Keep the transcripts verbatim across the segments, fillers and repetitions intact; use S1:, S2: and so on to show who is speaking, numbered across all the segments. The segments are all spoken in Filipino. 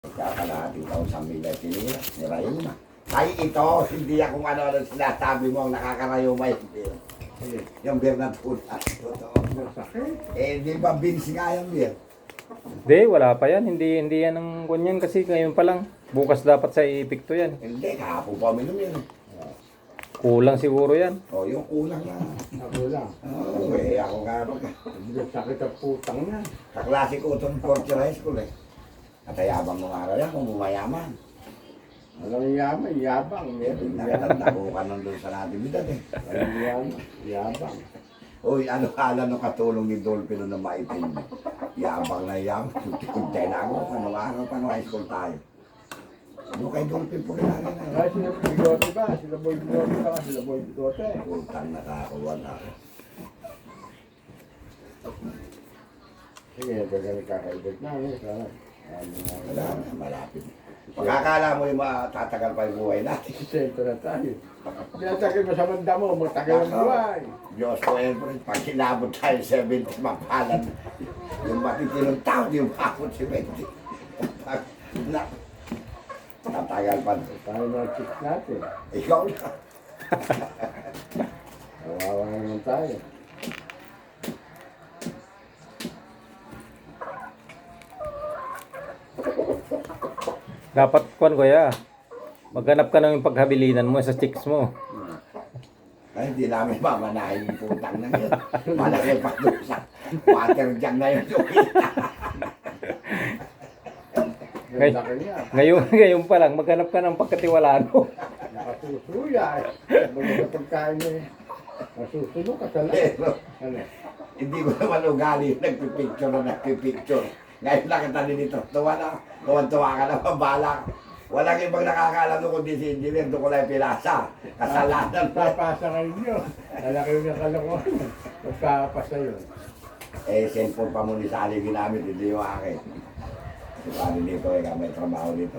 S1: Kakalahating taon sa milya tinira, nirayo na. Ay, ito, hindi akong ano-ano sinasabi mo ang nakakarayo may beer. Yung beer na tulas. Totoo. Eh, di ba beans nga yung beer?
S2: Hindi, wala pa yan. Hindi hindi yan ang ganyan kasi ngayon pa lang. Bukas dapat sa ipikto yan.
S1: Hindi, kahapon pa minum yun.
S2: Kulang siguro yan.
S1: O, yung kulang na.
S3: Ako lang.
S1: Oo, eh, ako nga rin.
S3: Hindi ko sakit ang putang na.
S1: Kaklase ko itong fourth year high school eh. At ayabang mo nga rin kung bumayaman.
S3: Walang yaman, yabang. Meron
S1: Nakatanda ko ka nandun sa natividad eh.
S3: Walang yaman, yabang.
S1: Uy, ano kala nung katulong ni Dolphin na maitim? Yabang na yabang. Kuntay na ako. Ano araw pa nung high school tayo. Ano kay Dolphin po kailangan na.
S3: Ay, sila bigote ba? Sila boy bigote ba? Sila boy bigote.
S1: Putang nakakuha na.
S3: Sige, gagawin kakaibig na. Sana.
S1: Wala na, malapit. Pagkakala mo yung matatagal pa yung buhay natin.
S3: Sento na tayo. Pinatagin mo sa manda mo, magtagal ang buhay.
S1: Diyos ko, Elbron, pag sinabot tayo seventy, mapalan. Yung matitinong tao, yung pakot si Betty. Na, tatagal pa.
S3: Tayo mga chicks natin.
S1: Ikaw na.
S3: Kawawa naman tayo.
S2: Dapat kwan ko ya. Maghanap ka ng paghabilinan mo sa chicks mo.
S1: Ay, hindi namin mamanahin yung putang na yun. Malaki pa doon sa water jug na yun.
S2: Ngay-
S3: Ganda ka niya.
S2: Ngayon, ngayon pa lang, maghanap ka ng pagkatiwalaan mo.
S3: Nakasusuya eh. Mga pagkain niya eh. Nasusunod ka sa lahat.
S1: Pero,
S3: Ano?
S1: hindi ko naman ugali yung nagpipicture na nagpipicture. Ngayon lang kita din ito. Tuwa na. Tuwan-tuwa ka na, mabalak. Walang ibang nakakaalam doon kundi si engineer. Doon ko lang pinasa. Kasalanan pa.
S3: Papasa kayo niyo. Lalaki yung kalokohan. Magpapasa yun.
S1: Eh, cellphone pa mo ni Sally ginamit. Hindi yung akin. Si Sally dito eh, may trabaho dito.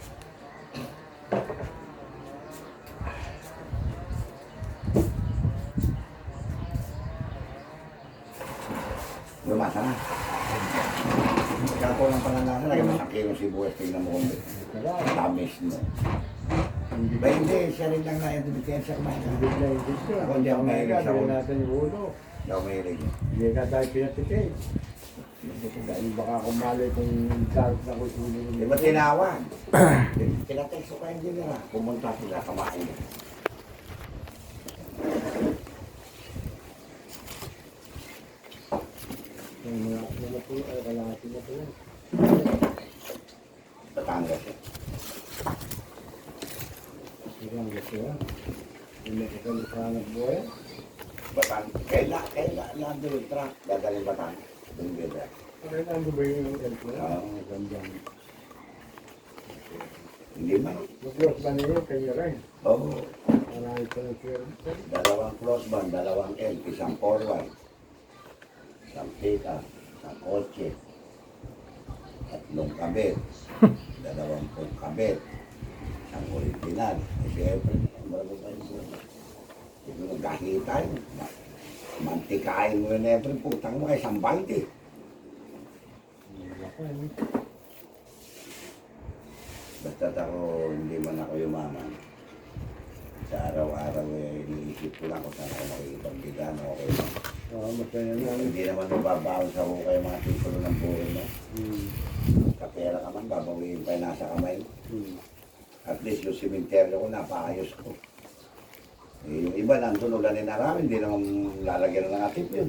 S1: Lumasa na. Ikaw lang pala na. Lagyan mo sa kilo si Buwes. Tingnan mo kung tamis mo. Ba hindi, siya rin lang na yung dibitensya kumain ka.
S3: Hindi na hindi siya.
S1: Ako hindi ako mahilig sa
S3: Gawin
S1: ulo.
S3: natin yung ulo.
S1: Hindi ako mahilig.
S3: Hindi ka tayo pinatikay. Dahil baka kumali kung dark na ko ulo.
S1: Di ba tinawag? Kinatext ko kayo din nila. Pumunta sila, kamain.
S3: Yung mga mga po ay kalahati na po.
S1: Batangas eh.
S3: Sigang gusto ha. Hindi ka kami sa anak buhay.
S1: Batangas. Kaila, kaila, nandun yung truck. Dadaling Batangas. Doon dito.
S3: Kaya nando ba yung elpo na?
S1: Oo.
S3: Ang ganda.
S1: Hindi man.
S3: Mag-close ba niyo kayo rin?
S1: Oo.
S3: Marami pa ng share.
S1: Dalawang crossband, dalawang L, isang forward. Isang pick-up, isang kotse. Tatlong kabit. Dalawang pong kabit. Isang original. Eh, siyempre, marami pa yung buhay. Hindi mo nagkakita tayo. Mantikain mo yun every putang mo kay isang balde. Basta ako, hindi man ako yumaman. Sa araw-araw eh, iniisip ko lang kung saan ako makikipagbigan, okay lang.
S3: Oo, masaya na.
S1: Hindi naman mababaon sa hukay mga titulo ng buhay mo.
S3: Hmm.
S1: Kapera ka man, babawiin pa yung nasa kamay mo.
S3: Hmm.
S1: At least yung simenteryo ko, napakayos ko. Eh, yung iba nandun ulan na namin, hindi naman lalagyan ng atip yun.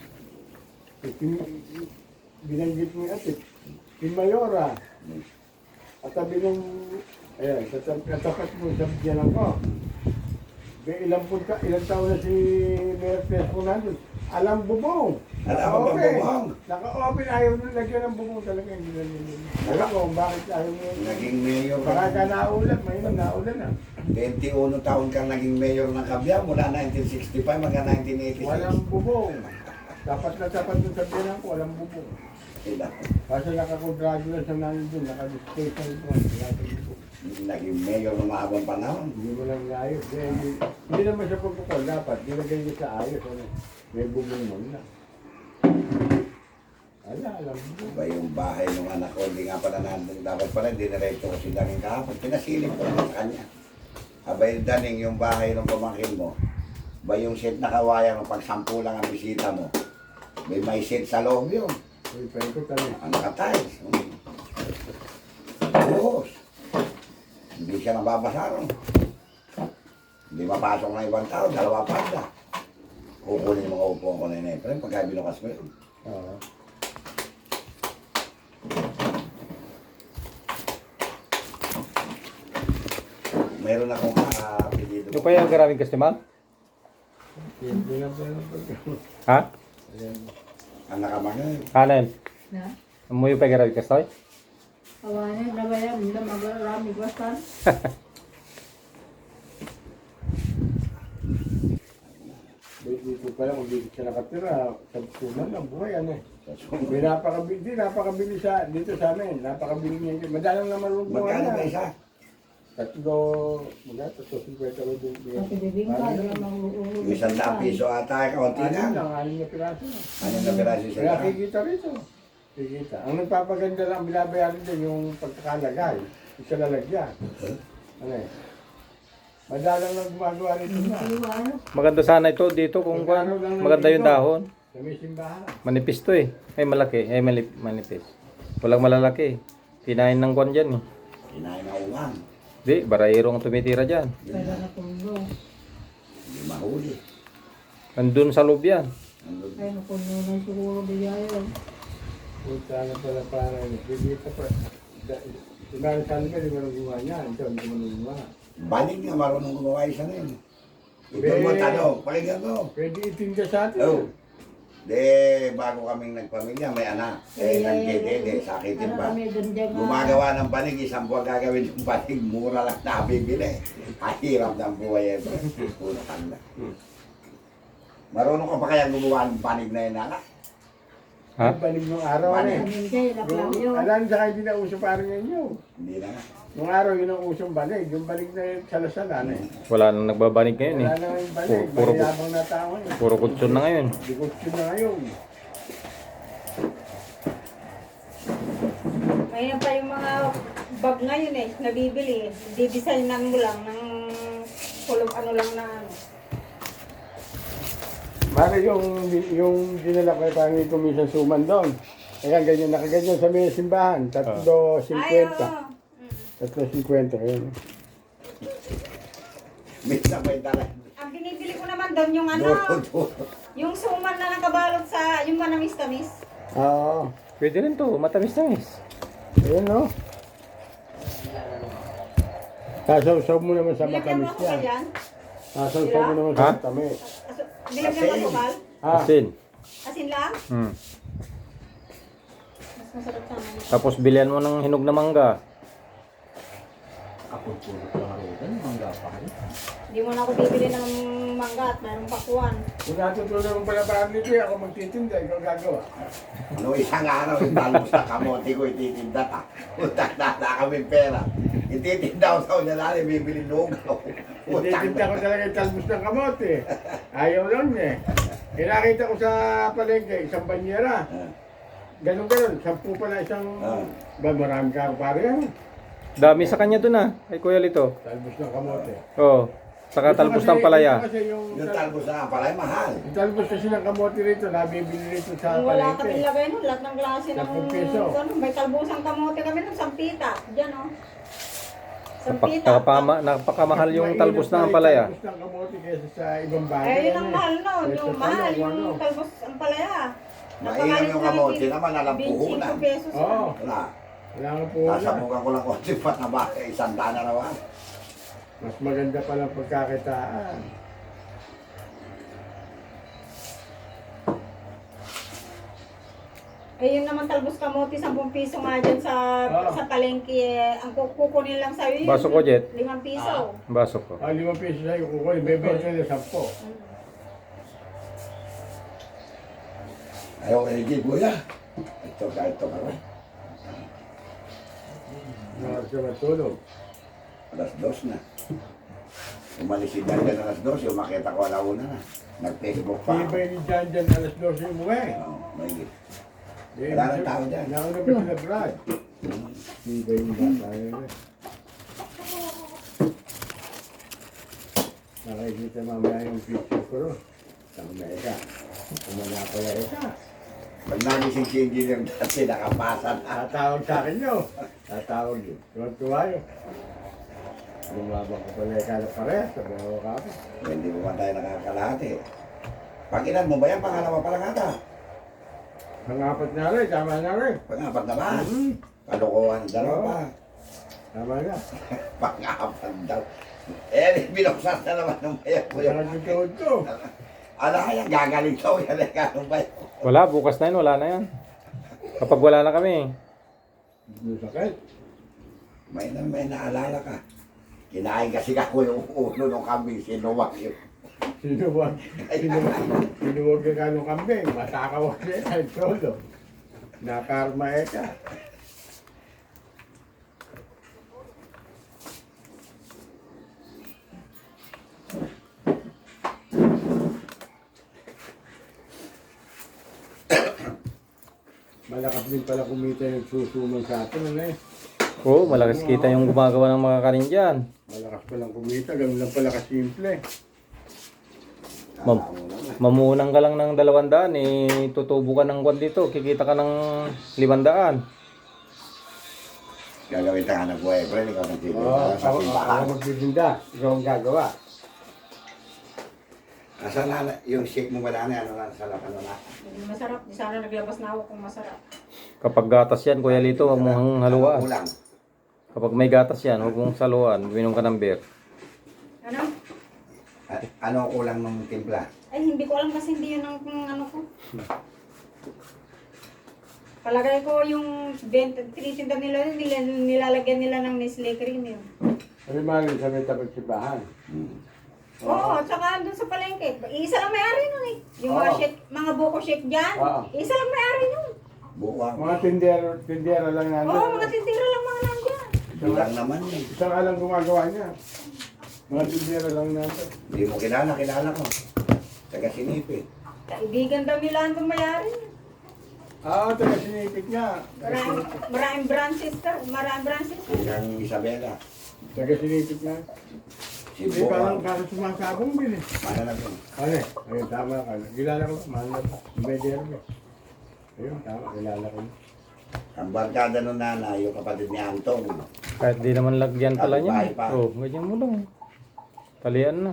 S3: Binanggit mo yung atip. Si Mayora.
S1: Hmm.
S3: At sabi ng, ayan, katapat mo, sabi niya lang ko. Kaya ilang punta, ilang taon na si Mayor Pesco nandun. Alam bubong.
S1: Alam mo bang bubong?
S3: Naka-open, ayaw nung lagyan ng bubong talaga. Hindi na nila. Alam ko, bakit ayaw mo.
S1: Naging mayor
S3: Baka
S1: ka.
S3: ka naulan, may naulan na.
S1: twenty-one taon kang naging mayor ng Cabiao mula nineteen sixty-five hanggang nineteen eighty-six.
S3: Walang bubong. Dapat na dapat yung sabihan ko, walang bubong.
S1: Sila.
S3: Kasi nakakontrado na sa nanin doon, naka-display sa ito. Wala tayong bubong.
S1: Naging mayor ng mahabang panahon.
S3: Hindi mo lang ayos. Eh, hindi, hindi naman sa protocol. Dapat, nilagay niyo sa ayos. Ano? May bubong mo na. Ala, alam mo.
S1: Iba yung bahay ng anak ko, hindi nga pala nandun. Dapat pala, hindi diretso ko si Daning kahapon. Pinasilip ko naman sa kanya. Abay, Daning, yung bahay ng pamangkin mo, ba yung set na kawayan mo, pag sampu lang ang bisita mo, may may set sa loob yun.
S3: Uy, pwede ko tanong.
S1: Ang nakatiles. Buhos. Hindi siya nababasa ron. Hindi mapasok ng ibang tao, dalawa pa siya. Kukunin yung mga upuan ko na yun eh. Pero pagka binukas mo yun.
S3: Oo.
S1: Meron akong kapilido.
S2: Yung pa yung garaming customer?
S3: Hindi na pala pagka.
S2: Ha?
S3: Ayan.
S1: Ang nakamangay.
S2: Kanan.
S4: Na,
S2: Mo yung pa yung garaming customer?
S4: kawanan na ba yan? Hindi na magarami bastan.
S3: Dito pala kung dito siya nakatira, sa suman lang buhay ano eh.
S1: Sa sunod.
S3: May napakabili, di, napakabili sa, dito sa amin, napakabili niya. Madalang naman rin buhay
S1: Magkano
S3: na.
S1: ba isa?
S3: Tatlo, mga tatlo, cinquenta rin din.
S4: Kasi bibingka,
S3: Parang
S4: hindi
S3: ganun.
S4: na magugulo.
S1: Yung isang daang piso ata, kaunti
S3: Anim
S1: na.
S3: lang, anim na piraso na.
S1: Ano na piraso sa
S3: Kaya
S1: daan?
S3: kikita rito. Kikita. Ang nagpapaganda lang, binabayaran din yung pagkakalagay. Isa lalagyan. Ano eh. Madalang lang gumagawa rito na.
S4: Iwan.
S2: Maganda sana ito dito kung kuwan. Maganda yung dahon.
S3: Sa may simbahan.
S2: Manipis to eh. Ay malaki. Ay malip, manipis. Walang malalaki. Kinain ng kuwan dyan eh.
S1: Kinain na uwang.
S2: Di, barayero ang tumitira dyan.
S1: Yun
S4: Pwede
S1: na.
S4: na tulo.
S1: Hindi mahuli.
S2: Andun sa loob yan.
S1: Nandun.
S4: Ay, nakuno na siguro biyayan.
S3: Punta na pala para bibita pa. Simbahan sa amin, di marunong gumawa niya. Ito, hindi marunong gumawa.
S1: Baling nga marunong gumawa isa na yun. Ito
S3: Be-
S1: mo tanong, pakinggan mo.
S3: Pwede itinda sa atin.
S1: Oh. De, bago kaming nagpamilya, may anak. Eh, nagdedede, sakitin
S4: Ano
S1: pa.
S4: kami doon dyan nga.
S1: Gumagawa ng banig, isang buwan gagawin yung banig, mura lang nabibili. Ang hirap ng buhay ito. Putang na. Marunong ka pa kaya gumawa ng banig na yun, anak?
S2: Ha?
S3: Yung banig nung araw na eh.
S4: Kami dyan, laklang
S3: Yung,
S4: yun.
S3: alam sa hindi na uso parang ngayon.
S1: Hindi na nga.
S3: Nung araw yun ang usong banig. Yung banig na yun, salasala na eh.
S2: Wala nang nagbabanig ngayon eh.
S3: Wala na yung banig.
S2: Puro- puro-
S3: Mayabang na tao eh.
S2: Puro kutsyon na ngayon.
S3: Dikotso na ngayon.
S5: Ngayon pa yung mga bag ngayon eh, nabibili. Didesignan mo lang ng kulong ano lang na ano.
S3: Mara yung, yung dinala ko parang ito minsan suman doon. Kaya ganyan, nakaganyan sa may simbahan. Tatlo,
S5: Ay,
S3: cinquenta.
S5: oo.
S3: Tatlo, cinquenta. Yun.
S1: Minsan may dala.
S5: Ang binibili ko naman doon yung ano,
S1: Duro-duro.
S5: yung suman na nakabalot sa, yung manamis-tamis.
S3: Oo.
S2: Pwede rin to. Matamis-tamis.
S3: Ayun no. Sasaw-saw mo naman sa
S5: Bilagyan mo
S3: matamis
S5: ako
S3: yan.
S5: yan.
S3: Sasaw-saw mo naman
S2: Ha?
S3: sa matamis.
S5: Aso, bilagyan mo ako, Val.
S3: Ha?
S2: Asin.
S5: Asin lang.
S2: Hmm.
S5: Mas masarap sana.
S2: Tapos bilihan mo ng hinog na mangga.
S5: Hindi mo na ako bibili ng mangga at mayroong pakuan.
S3: Kung natutulong mo pala parang nito, ako magtitinda, ikaw gagawa.
S1: Ano isang araw, italbos na kamote ko, ititinda ta. Utang na na kami pera. Ititinda ko sa unya natin, bibili lugaw. Utang
S3: Ititinda ko
S1: na.
S3: talaga yung talbos ng kamote. Ayaw lang niya. Eh, nakita ko sa palengke, isang banyera.
S1: Ah,
S3: Ganun ganun, sampu pala isang...
S1: Ah.
S3: Ba, marami ka pare yan.
S2: Dami sa kanya dun ah. Kay Kuya Lito.
S3: Talbos ng kamote.
S2: Oo. Saka
S3: Ito
S2: talbos
S3: kasi-
S2: ng palaya.
S3: ito kasi yung,
S1: Yung talbos na pala, mahal.
S3: yung talbos kasi ng kamote rito, nabibili rito sa
S5: Kung wala
S3: palengke.
S5: kami lagay nun, lahat ng klase ng
S3: Sampung piso.
S5: ano, may talbusang kamote kami ng sampita. Diyan oh.
S2: Napak-
S5: Sampita.
S2: Nakapama, napakamahal yung
S3: Mainit
S2: talbos
S3: pa
S2: ng
S3: yung
S2: palaya.
S3: Talbos ng kamote kaysa sa ibang bagay.
S5: Eh, yun ang
S3: ano eh.
S5: mahal nun.
S3: Kaysa
S5: Yung
S3: sa
S5: mahal,
S3: ano,
S5: yung
S3: ano.
S5: talbos ang palaya.
S1: Mainam yung kamote naman, alam puhunan.
S5: twenty-five pesos.
S3: Oo.
S1: Wala.
S3: Wala nga po wala.
S1: Sasabukan ko lang konti pa na ba, isang daan na naman.
S3: Mas maganda palang pagkakitaan.
S5: Eh, yun naman talbos kamote, ten piso nga dyan sa
S3: Oo.
S5: sa palengke. Eh, ang kukunin lang sa'yo yun.
S2: Baso ko, Jet.
S5: limang piso.
S2: Baso ko.
S3: Ah, limang piso sa'yo, kukunin, bebenta na sampo.
S1: Ayaw ka higit, kuya. Ito ka, ito ka. ba?
S3: Nakakasya siya matulog.
S1: Alas dos na. Umalis si Jan Jan alas dos, yung makita ko alauna na. Nag-Facebook pa ako.
S3: Tibay ni Jan Jan alas dose yung umuwi.
S1: Oo, may
S3: Eh,
S1: Wala nang tao dyan.
S3: Nauna pa sila Brad. Hindi ba yung bata yun eh. Nakikita mamaya yung picture ko ron. Tama na ika. Umala pala ika.
S1: Pag nagising si engineer dati, nakapasa na.
S3: Tatawag sa akin nyo. Tatawag yun. Tuwan-tuwa yun. Lumabang ko pala ika na parehas. Sabi ako ka ako.
S1: Hindi mo man tayo nakakalahati. Pag-ilan mo ba yan? Pangalawa pa lang ata.
S3: Pangapat na rin. Tama na rin.
S1: Pangapat na ba?
S3: Hmm.
S1: Kalokohan, dalawa pa.
S3: Tama na.
S1: Pangapat daw. Eh, binuksan na naman ng bayan ko
S3: Kaya
S1: yun.
S3: nagkakawad ko.
S1: Ala kaya, gagaling daw yan eh, kanong bayan.
S2: Wala, bukas na yun, wala na yan. Kapag wala na kami.
S3: Hindi sakit.
S1: May na may naalala ka. Kinain kasi ako yung ulo ng kambing, sinuwak yun.
S3: Sinuwag. Sinuwag. Sinuwag ka kanong kambing. Matakawag siya. Ay, solo. Nakarma eka. Malakas din pala kumita yung susuman sa atin, ano eh.
S2: Oo, malakas kita yung gumagawa ng mga kanin dyan.
S3: Malakas palang kumita, ganun lang pala kasimple.
S2: Mam mamunang ka lang ng dalawang daan, eh, tutubo ka ng kwan dito, kikita ka ng limandaan.
S1: Gagawin ta nga ng boyfriend, ikaw nang tito.
S3: Oo,
S1: sa
S3: ako,
S1: simbahan.
S3: ako magbibinda, ikaw ang gagawa.
S1: Asan na, yung shake mo ba na, ano na, sa lakan na.
S5: Masarap. Di sana naglabas na ako kung masarap.
S2: Kapag gatas yan, Kuya Lito, huwag mong haluan.
S1: Kulang.
S2: Kapag may gatas yan, huwag mong saluan, minom ka ng beer.
S5: Ano?
S1: At ano ang kulang ng timpla?
S5: Ay, hindi ko alam kasi hindi yun ang ang ano ko. Palagay ko yung benta, tinitinda nila, nila, nilalagyan nila ng Nestle cream yun.
S3: Sabi maling sa may tapat sibahan.
S1: Hmm.
S5: Oo, at saka doon sa palengke. Isa lang may-ari nun eh. Yung mga
S3: Oo.
S5: shake, mga buko shake dyan.
S3: Oo.
S5: Isa lang may-ari nun.
S1: Buwang.
S3: Mga tindero, tindero lang
S5: Oo,
S3: nandun.
S5: mga tindira lang mga nandyan.
S1: Bilang naman yun.
S3: Isang alang gumagawa niya. Mga tindero lang nandun.
S1: Hindi mo kilala, kilala ko. Taga sinipit.
S5: Kaibigan daw nila ang may-ari.
S3: Oo, taga sinipit nga.
S5: Maraming, maraming branches ka. Maraming branches.
S1: Hanggang Isabela.
S3: Taga sinipit nga.
S1: Si
S3: Hindi parang
S1: Buwang.
S3: kaso sumasabong din eh.
S1: Mana na yun?
S3: Ano eh? Ayun, tama ka. Kilala ko, mahal na pa. Medero eh. Ayun, tama, kilala ko.
S1: Ang barkada ng nanay, yung kapatid ni Antong.
S2: Kahit di naman lagyan pala niya.
S1: Bahay pa.
S2: Oo, ganyan mo lang. Talian na.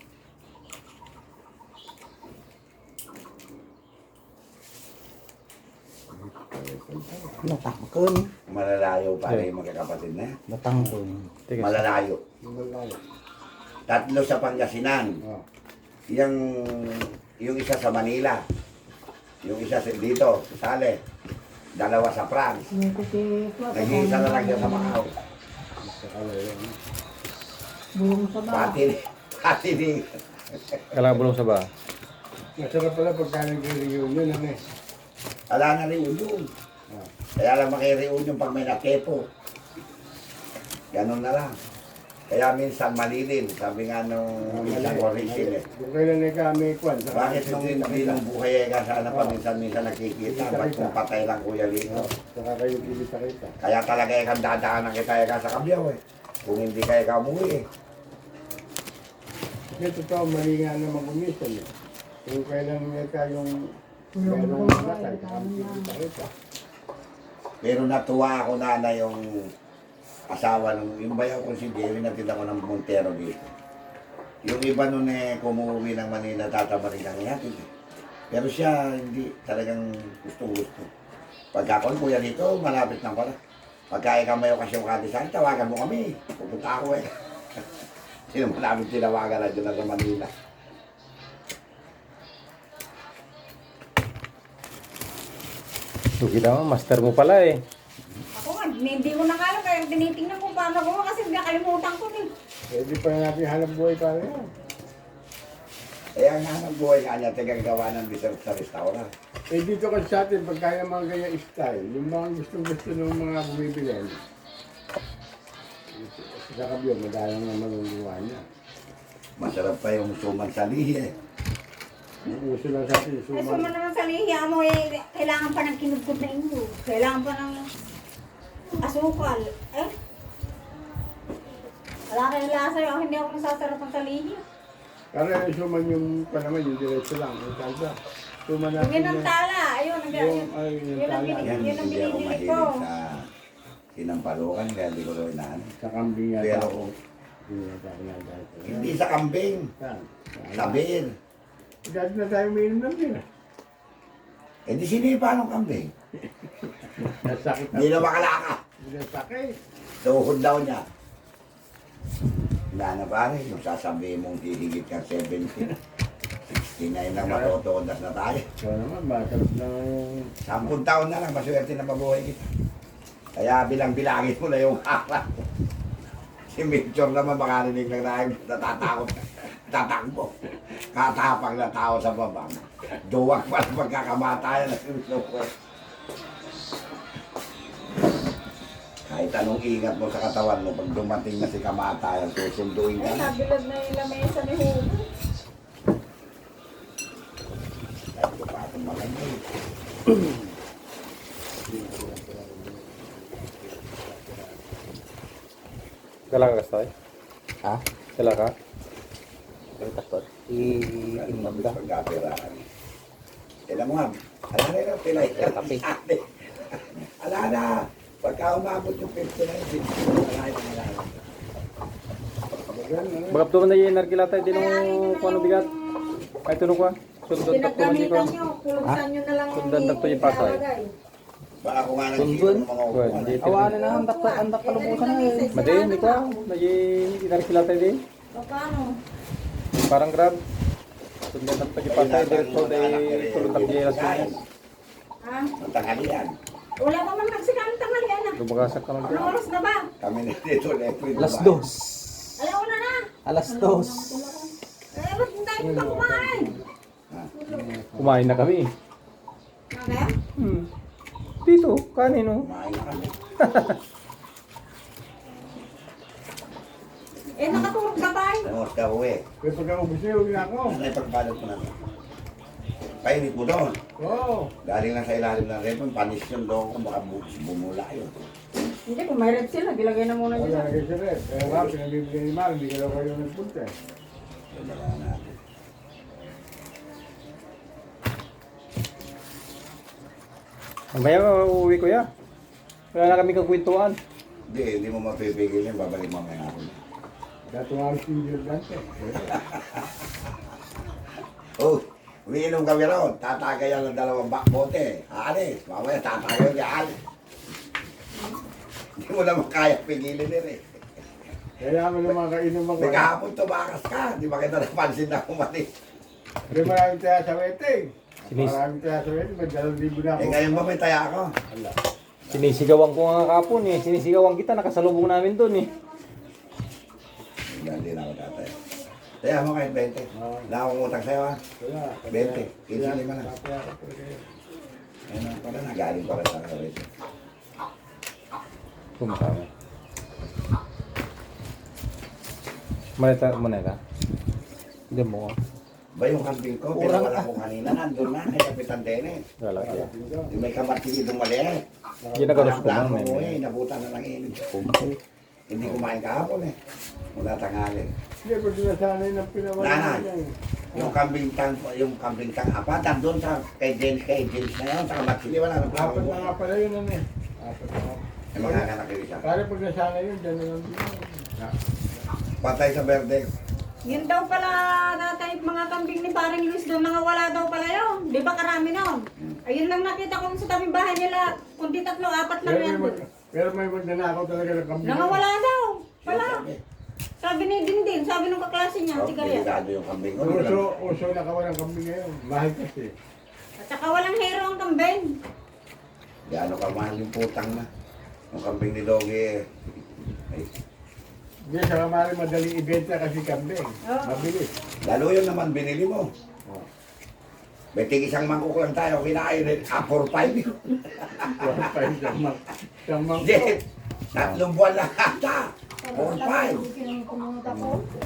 S6: Natangkon.
S1: Malalayo pa rin yung magkakapatid na.
S6: Natangkon.
S2: Teka,
S1: Malalayo.
S3: Yung malayo.
S1: Tatlo sa Pangasinan.
S3: Oo.
S1: Yung, yung isa sa Manila. Yung isa sa dito, sa Sale. Dalawa sa France.
S4: Yung kasi ito.
S1: Nag-iisa na lang dyan sa Macau.
S3: Sa kalayo.
S4: Bulong sa ba?
S1: Pati, pati ni...
S2: kalabulong sa ba?
S3: Masarap pala pagka nag-reunion, ano eh.
S1: Wala na rin yun.
S3: Ah.
S1: Kaya lang makireunion pag may nakepo. Ganon na lang. Kaya minsan malilin. Sabi nga nung minsan ko Rachel eh.
S3: Kung kailan na kami kwan.
S1: Bakit nung hindi ng buhay ka sana pa minsan-minsan nakikita. Ba't kung patay lang kuya Lito?
S3: Saka kayo kita-kita.
S1: Kaya talaga ikang dadaanan kita ika sa kabyaw eh. Kung hindi ka ikaw umuwi eh.
S3: Kasi totoo, mali nga naman kumisan eh. Kung kailan nga yung
S4: Bulong
S3: merong
S4: sa ba?
S3: matay, saka kita-kita.
S1: Pero natuwa ako na na yung asawa nung, yung bayaw ko si Jerry, natita ko ng Montero dito. Yung iba nun eh, kumuwi ng Manila, tatamarin kang ihatid eh. Pero siya, hindi, talagang gusto-gusto. Pagka ako, kuya dito, malapit lang pala. Pagka ikaw may okasyon ka design, tawagan mo kami. Pupunta ako eh. Sino mo namin tinawagan na dyan na sa Manila.
S2: Sugi naman, master mo pala eh.
S5: Ako nga, hindi ko na alam. Kaya tinitingnan ko paano ko kasi nakalimutan ko din.
S3: Pwede pa natin hanap buhay para yan.
S1: Eh, ang hanap buhay nga niya, tagang gawa ng dessert sa restaurant.
S3: Eh dito kasi sa atin, pagka yung mga ganyan style, yung mga gustong-gusto ng mga bumibili, sa kabyo, madalang na maluluwa niya.
S1: Masarap pa yung suman sa lihi eh.
S3: Yung uso lang sa atin,
S5: Ay,
S3: suma.
S5: suma naman sa lihiya mo eh, kailangan pa ng kinugkod na inyo. Kailangan pa ng asukal. Eh? Wala kayong lasa yun. Hindi ako nasasarapan sa lihiya.
S3: Pero yung suman yung pa naman, yung diretso lang, yung talba. Suman
S5: Yung
S3: natin
S5: yun ang
S3: yan.
S5: tala. Ayun, ang
S3: Yung, ay, yung
S5: yun ang
S3: tala.
S5: binili-
S1: Yan,
S5: yun ang
S1: hindi ako
S5: binibili ko.
S1: mahilig sa sinampalukan kaya hindi ko rin inaano.
S3: Sa kambing yata.
S1: Pero
S3: ako. Hindi yata ginagawa ko.
S1: hindi sa kambing,
S3: Saan?
S1: sa beer.
S3: Dati na tayo umiinom ng beer.
S1: Eh di sinipa ng kambing.
S3: Nasakit
S1: Hindi na makalaka.
S3: Hindi nasakit.
S1: Tuhod daw niya. Wala na pare, yung sasabihin mong hihigit ka seventy. sixty na yun lang matutuodas na tayo.
S3: So naman, masarap na yung...
S1: Sampung taon na lang, maswerte na mabuhay kita. Kaya bilang-bilangin mo na yung araw. Si Mitchell naman makarinig lang tayo, natatakot, tatakbo. Katapang na tao sa babang. Duwag pa na pagkakamatayan ng lupa. Kahit anong ingat mo sa katawan mo, pag dumating na si kamatayan, susunduin ka
S5: Ay,
S1: na.
S5: nabilad na yung lamesa ni Hugo.
S1: Kahit ko pa itong malamig.
S2: Dala ka kastoy?
S6: Ha?
S2: Dala ka?
S6: Ang kastot. I-inom ka.
S1: Pagkapiraan. Kailan mo nga, ala na yun, pilay.
S6: Kape.
S1: Ala na, pagka umabot yung fifty na yun, ala yun, ala yun.
S2: Bagap tuman na yung narkilata din ng kung ano bigat. Ay tunong ko. Sundot tak tuman di ko.
S5: Pinagamitan nyo, kuluksan nyo na lang
S2: Sundan na to yung pasay.
S5: ilalagay.
S1: Baka kung nga
S6: Sundun.
S1: nagsiro ng mga
S2: Well,
S1: upuan.
S2: di
S6: Awanan na ang dakta, ang dakta lubusan na eh.
S2: Madi ni ko. Madi narkilata din.
S5: O paano?
S2: Parang grab. Sundan na to yung pasay direkto day tulog tak di alas tumas.
S5: Ha?
S1: Ang tanghalian.
S5: Wala pa man nagsikamang tanghalian na.
S2: Lumagasak ka
S5: Anong
S2: man.
S5: oras na ba?
S1: Kami na dito, Lepre.
S6: Alas dos.
S5: Alauna na.
S6: Alas dos.
S5: Eh, ba't hindi tayo pa kumain?
S2: Kumain na kami.
S5: Okay?
S2: Hmm. Dito, kanin oh.
S1: Kumain na kami.
S5: Eh, nakatulog ka ba?
S1: Nangos ka uwi.
S3: Kaya pagka-ubus niya, huwag na ako.
S1: Ano yung pagbalot mo na to? Painit mo doon.
S3: Oo.
S1: Galing lang sa ilalim ng red, panis yung doon kung baka bu- bumula yun.
S5: Hindi, kung may red sila, ilagay na muna
S3: Wala
S5: dyan.
S3: na kayo sa red. Kaya nga, pinabibigay ni Mar, hindi ka daw kayo nagpunta eh.
S1: Yun na lang natin.
S2: Mamaya uuwi ko ya. Wala na kami kagwintuan.
S1: Hindi, hindi mo mapipigil yun, babalik mamaya ako.
S3: Dati nga ang studio dante.
S1: Oh, umiinom kami raw, tatagayan ng dalawang bakbote. Aalis, mamaya tatagayan niya alis. Hindi mo naman kaya pigilin din eh.
S3: Kaya mo naman kainom ako.
S1: May kahapon tumakas ka, di ba kita napansin na umalis?
S3: May maraming taya sa wedding.
S2: Sinis-
S3: Maraming taya sa wedding, may dalawang libo na ako.
S1: Eh ngayon ba may taya ako?
S3: Wala.
S2: Sinisigawan ko nga kapon eh. Sinisigawan kita, nakasalubong namin doon eh.
S1: Hindi na ako tatay. Taya mo kahit twenty. Wala akong utang sa'yo ha.
S3: Wala.
S1: Bente, fifty lima na.
S3: Tataya ako talaga yun.
S1: Ayun na pala, nagaling pala sa kawit.
S2: Pumunta kami. Malita mo na ka? Hindi mo.
S1: Ba yung kambing ko, pinawala ko kanina, nandun na, kay Kapitan Dennis.
S2: Wala siya.
S1: Yung may kamatili itong mali.
S2: Ginagalos ko
S1: Walang
S2: lang.
S1: plano ko
S2: eh.
S1: eh, nabutan na lang init. Hindi kumain kahapon eh. Mula tanghali.
S3: Hindi ko sinasanay ng pinawala
S1: Nanay.
S3: niya eh.
S1: Yung kambing tang, yung kambing tang apat, nandun sa kay James, kay James na yun, sa kamatili, wala nang plano
S3: Apat
S1: ko.
S3: na nga pala yun ano eh. Apat na nga.
S1: May mga kanak yung isa.
S3: Kaya pag nasanay yun, dyan na lang din.
S1: Patay sa verde.
S5: Yun daw pala natay mga kambing ni Paring Luis doon, nangawala daw pala yun. Di ba karami nun? Ayun lang nakita ko sa tabing bahay nila, kundi tatlo, apat lang
S3: Pero may,
S5: yan.
S3: mag, pero may magnanakaw talaga ng kambing.
S5: Nangawala daw. Pala.
S1: Sabi,
S5: Sabi ni Dindin, sabi nung kaklase niya,
S1: oh,
S5: si Galia.
S1: delikado yung kambing ko.
S3: Uso, uso na kawan ng kambing ngayon. Mahal kasi.
S5: At saka walang hero ang kambing.
S1: Gaano ka mahal yung putang na. Yung kambing ni Doggy eh. Ay,
S3: Hindi, sa kamari madali ibenta kasi kambing.
S5: Oo.
S3: Mabilis.
S1: lalo yun naman binili mo.
S3: Oh.
S1: May tig isang mangkok lang tayo, kinain eh, ah, four five yun.
S3: Wala pa yung samang. Samang ko.
S1: Hindi, tatlong buwan lang ata. four five.
S5: Kinumunta ko.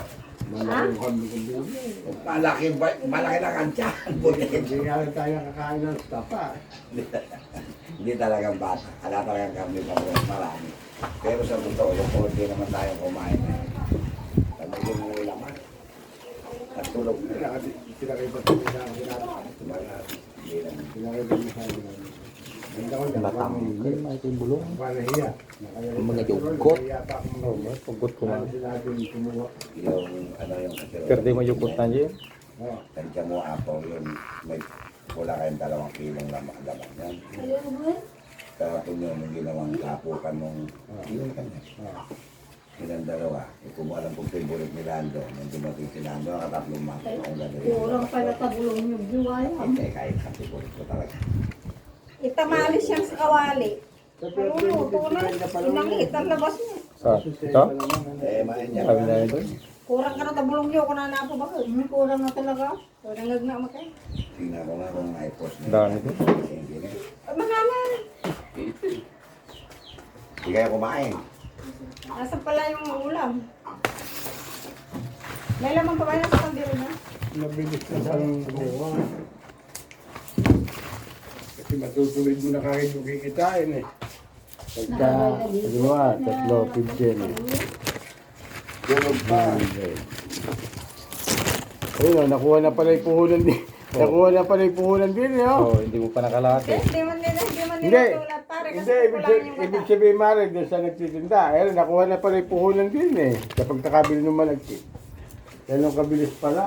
S3: Malaki yung kambing ko din.
S1: Malaki, ba, malaki na kantya. Buti.
S3: Hindi nga lang tayo kakain ng stapa.
S1: Hindi talagang bata. Ala talagang kami pa marami. Pero sa totoo, yung konti naman tayong kumain na yun. Sabi yung mga laman. At tulog na.
S3: Pinakita ko sa akin natin.
S1: Tumaga. Hindi lang.
S3: Pinakita ko sa akin natin. Ganda ko dyan.
S6: Batanggal, may ito yung bulong.
S3: Panahiya.
S6: Mga yugot.
S2: Oh, may pagkut ko man.
S3: Ano sinabi yung kumuha?
S1: Yung ano yung kasiro.
S2: Pero di mo yukot na dyan.
S3: Oh.
S1: Tansya mo apo yun. May wala kayong dalawang kilong laman laman yan. Kahapon yun yung ginawang kapukan nung yun kanya.
S3: Oh.
S1: Ilang dalawa. Eh, kung mo alam kung favorite ni Lando, nung dumating si Lando, nakatatlong mga kung gagawin.
S4: Kurang pala tabulong yung buwaya.
S1: Hindi, kahit sa favorite ko talaga.
S5: Itamali siyang sa kawali. Maluluto na. Inangit ang labas niya.
S2: Sa, ito?
S1: Eh, main niya.
S2: Sabi na ito.
S5: Kurang ka na tabulong niyo kung nanapo ba ko.
S4: May kurang na talaga.
S5: Kurang nagna makay.
S1: Tingnan ko nga kung i-post niya.
S2: Dami ko.
S1: Hindi na.
S5: Ay, mangalan.
S1: Hindi kayo kumain.
S5: Nasa pala yung ulam. May laman pa ba na sa kandiro na?
S3: Nabilis na sa kumuha. Kasi matutuloy mo na kahit yung kikitain eh. Pagka, dalawa, tatlo, fifteen eh.
S1: Tulog pa.
S3: Ayun, oh, nakuha na pala yung puhunan din. Nakuha na pala yung puhunan din, eh, oh.
S2: Oh, hindi mo pa nakalate.
S5: Hindi man nila, hindi man
S3: Hindi.
S5: nila tulad. Pare, kasi
S3: Hindi, ibig,
S5: kulang
S3: sabi-
S5: yung
S3: ibig
S5: mata.
S3: sabihin, Mare, doon sa nagtitinda. Ayun, nakuha na pala yung puhunan din, eh. Kapag nakabili ng malagkit. Yan ang kabilis pala.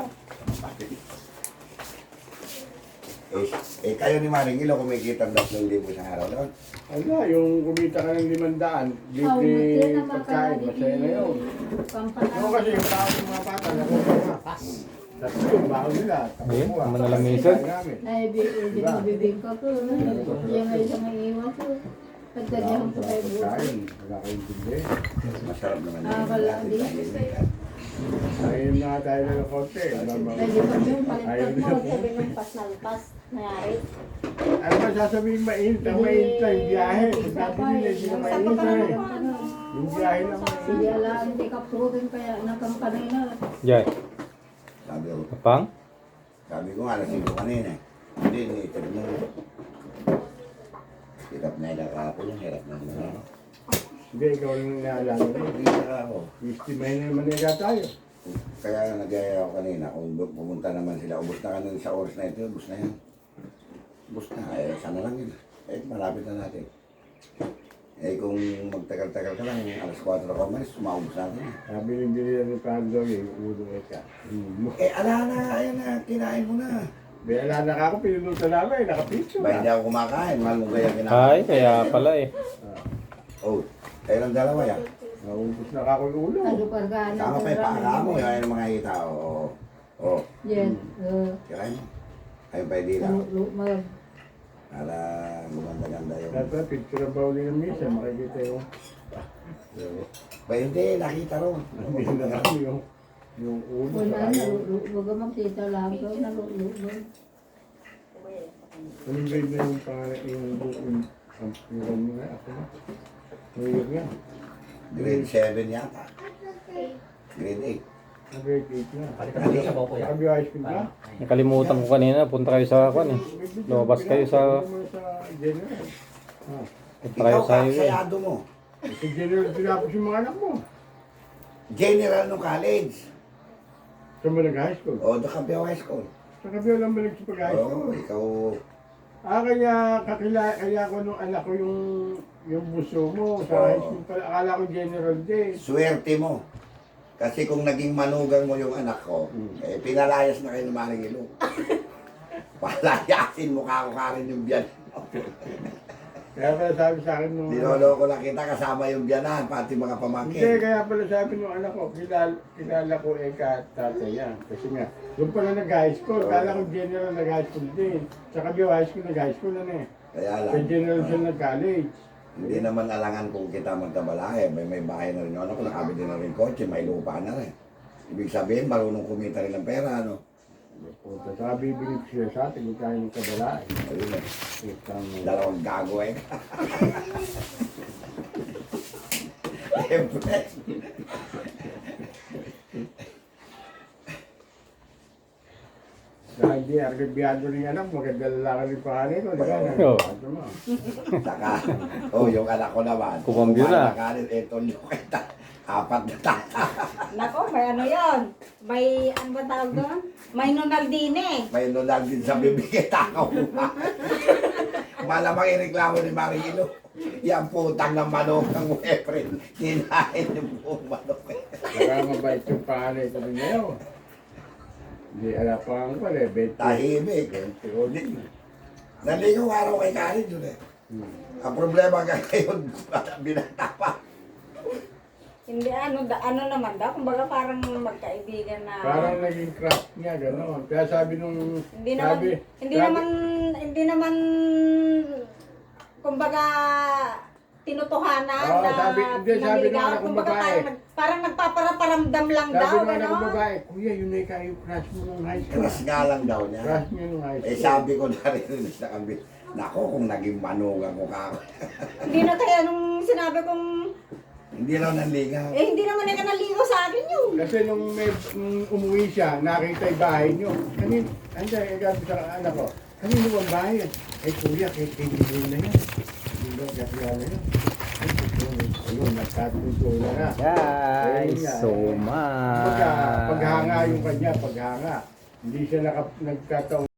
S1: Eh, eh kayo ni Maring Ilo, kumikita ng tatlong libo sa araw doon.
S3: Ano, yung kumita ka ng limandaan, libre pagkain, masaya na yun. Ano kasi yung tao ng mga bata, nakuha na. Tapos yung baho nila, tapos
S2: Ayun,
S3: kuha.
S2: manalamisan.
S3: Tapos namin.
S4: Ay, binibibig ko ko. Yan ay isang iiwan ko. Pagkadyahan ko kay buka.
S3: Pagkain, wala kayong tindi.
S1: Masarap naman
S4: Ah, wala din.
S3: Ayun na tayo na ng konti.
S4: Pwede pa yung
S3: Ayun
S4: palitan
S3: na.
S4: mo. Sabi ng pasnalpas. Nangyari.
S3: Ano ba sasabihin mainit? Ang mainit na yung biyahe. Sabi nila, hindi na
S5: Sa
S3: mainit
S5: pa
S3: na
S5: naman
S3: eh.
S5: ko ano.
S3: Yung biyahe lang.
S4: Hindi ala, hindi ka proven kaya nagkampanay na.
S2: Diyan.
S1: Sabi ko,
S2: Kapang?
S1: sabi ko nga, alas ko kanina. Hindi, hindi, ito mo. Hirap na yung kahapon yung hirap na yung
S3: Hindi, ikaw lang naalala mo.
S1: Hindi na ako.
S3: Istimahin na naman nila tayo.
S1: Kaya nag-aya ako kanina, kung bu- pumunta naman sila, ubos na kanina sa oras na ito, ubos na yan. Ubos na, eh, sana lang yun. Eh, malapit na natin. Eh, kung magtagal-tagal ka lang, alas kwatro ka umalis, sumaubos natin. eh.
S3: Sabi ng binila ni Pando, yung ulo eka.
S1: Eh, ala na, ayan na, kinain mo na.
S3: Bela na ka ako, pinulutan namin, nakapicture
S1: Ba, hindi
S3: na.
S1: ako kumakain, mahal mo kaya kinain.
S2: Ay, kaya pala eh.
S1: Oh, kayo lang dalawa yan.
S3: Naubos na ka ako yung ulo.
S4: Ano kargaan
S1: Tama pa yung paa mo, yan yung mga hita. Oo, oo.
S4: Yan. Uh,
S1: Kirain mo. Ayun pa yung dila.
S4: ano, lu- mag-
S1: Para gumanda-ganda yung...
S3: Dapat picture ang bawal ng misa, makikita yung...
S1: Ba, hindi, nakita ro.
S3: Hindi na kami yung... Yung ulo
S4: wala
S3: sa
S4: na.
S3: kayo.
S4: Huwag ka magtita lang. Huwag na lulubog.
S3: Anong grade na yung pangalan yung yung ang yung mo na ako na? New Year nga.
S1: Grade seven yata. Grade eight.
S3: Ang grade eight na.
S1: Ano sa
S3: Sabi yung high school na?
S2: Nakalimutan ko kanina. Punta kayo sa kwan eh. Lumabas kayo sa...
S3: Sa general. Ah.
S2: Punta kayo
S1: Ikaw
S2: sa
S1: ka,
S2: highway.
S1: sayado mo.
S3: Sa general tinapos yung mga anak mo.
S1: General nung college.
S3: Saan mo nag-high school?
S1: O, doon ka Biao High School.
S3: Sa kabiyo lang ba nagsipag-high
S1: Oo,
S3: school?
S1: ikaw...
S3: Ah, kaya kakila, kaya ko nung anak ko yung yung buso mo sa
S1: Oo.
S3: high school pala. Akala ko general din.
S1: Swerte mo. Kasi kung naging manugang mo yung anak ko, eh, pinalayas na kayo ng Maring Ilo. Palayasin mo ka ko ka rin yung biyan.
S3: Kaya pala sabi sa akin nung...
S1: Niloloko lang kita kasama yung biyanan, pati mga
S3: Hindi,
S1: pamangkin.
S3: kaya pala sabi nung anak ko, kilala, kilala ko Eka at tatay yan. Kasi nga, doon pala nag-high school. Kala ko general nag-high school din. Sa Kabyo High School, nag-high school na eh.
S1: Kaya
S3: Sa
S1: lang,
S3: general siya nag-college.
S1: hindi naman alangan kung kita magkabalahe. May may bahay na rin yung anak ko, nakabili na rin kotse, may lupa na rin. Ibig sabihin, marunong kumita rin ng pera, ano?
S3: Puta, saka bibigyan ko siya sa atin kung tayo ng kabalaan.
S1: Ayun eh,
S3: Itang...
S1: dalawang gago eh. Siyempre.
S3: hindi argibiyado rin anak, maganda lalaki rin pangalan ko, di ba?
S2: Oo.
S3: Ano mo?
S1: Saka, oh, yung anak ko naman.
S2: Kumambyo na.
S1: Kumakain, eto yung kita. Apat na tata.
S5: Nako, may ano yon? May, ano ba tawag doon? May nonaldine.
S1: May nunal din sa bibigay tao. Malamang ireklamo ni Marilo. Yan putang ng manok ng April. Kinain yung buong manok.
S3: Saka mabait yung pangalan ko rin ngayon. Hindi, ala pa ang pala eh, bete.
S1: Tahimik. Hindi. Naligaw araw kay Karen yun eh. Ang problema nga ngayon, binata pa.
S5: Hindi, ano, da, ano naman daw, kumbaga parang magkaibigan na...
S3: Parang naging crush niya, gano'n. Kaya sabi nung...
S5: Hindi naman,
S3: sabi,
S5: hindi
S3: sabi-
S5: naman, hindi naman, kumbaga, tinutuhanan
S3: Oo,
S5: na
S3: sabi- hindi, sabi ng
S5: naligaw.
S3: anak kong
S5: Kumbaga
S3: babae.
S5: parang, nag- parang nagpaparaparamdam lang
S3: Sabi
S5: daw,
S3: nung anak kong
S5: gano'n.
S3: babae, Kuya, yun na yung crush mo nung high school.
S1: Crush nga lang daw niya.
S3: Crush niya nung high school.
S1: Eh sabi ko na rin sa kambi, nako kung naging manugang ko ka.
S5: Hindi na kaya nung sinabi kong,
S1: Hindi raw nanligaw.
S5: eh hindi naman na naligaw sa akin yun.
S3: Kasi nung, may, nung umuwi siya, nakita yung bahay niyo. Kanin, anday, eh, gabi sa anak ko, kanino ang bahay yan? Eh, kuya, kay Kay na yan. Hindi daw, kaya na yan. Ay, ayun, nagtatunto na na.
S2: Guys, so much.
S3: Pagka, paghanga yung kanya, paghanga. Hindi siya naka, nagkataon.